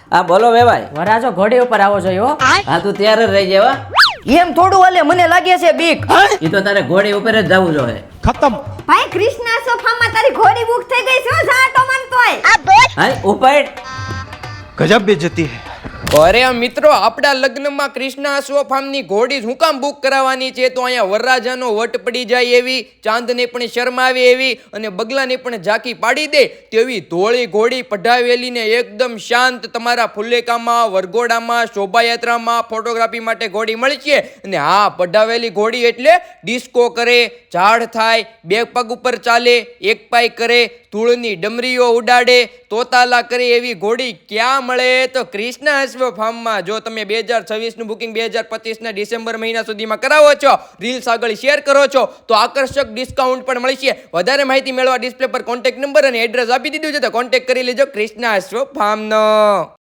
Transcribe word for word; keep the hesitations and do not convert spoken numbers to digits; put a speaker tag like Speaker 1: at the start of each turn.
Speaker 1: હા બોલો વેવાય.
Speaker 2: વરાજો ઘોડી ઉપર આવો જોઈએ હો.
Speaker 1: હા તું તૈયાર જ રહી જવા.
Speaker 2: એમ થોડું હાલે, મને લાગે છે બીક.
Speaker 1: એ તો તારે ઘોડી ઉપર જ જવું જોઈએ.
Speaker 3: ભાઈ કૃષ્ણા સોફામાં તારી ઘોડી બુક થઈ ગઈ છે ઝાટો માનતોય.
Speaker 1: હા ઉપર
Speaker 4: ગજબ બેજતી હે.
Speaker 5: અરે મિત્રો, આપણા લગ્નમાં કૃષ્ણા અશ્વ ફાર્મની ઘોડી હું કામ બુક કરાવવાની છે? તો અહીંયા વરરાજાનો વટ પડી જાય એવી, ચાંદને પણ શરમ આવે એવી અને બગલાને પણ ઝાંકી પાડી દે તેવી ધોળી ઘોડી પઢાવેલી ને એકદમ શાંત તમારા ફુલેકામાં, વરઘોડામાં, શોભાયાત્રામાં ફોટોગ્રાફી માટે ઘોડી મળી છે. અને હા, પઢાવેલી ઘોડી એટલે ડિસ્કો કરે, ઝાડ થાય, બે પગ ઉપર ચાલે, એક પાય કરે, ધૂળની ડમરીઓ ઉડાડે, તોતાલા કરે એવી ઘોડી ક્યાં મળે? તો કૃષ્ણા અશ્વ ફાર્મમાં. જો તમે બે હજાર છવ્વીસ નું બુકિંગ બે હજાર પચીસ ના ડિસેમ્બર મહિના સુધીમાં કરાવો છો, રીલ્સ આગળ શેર કરો છો, તો આકર્ષક ડિસ્કાઉન્ટ પણ મળી છે. વધારે માહિતી મેળવવા ડિસ્પ્લે પર કોન્ટેક્ટ નંબર અને એડ્રેસ આપી દીધું છે, તો કોન્ટેક્ટ કરી લેજો કૃષ્ણા અશ્વ ફાર્મનો.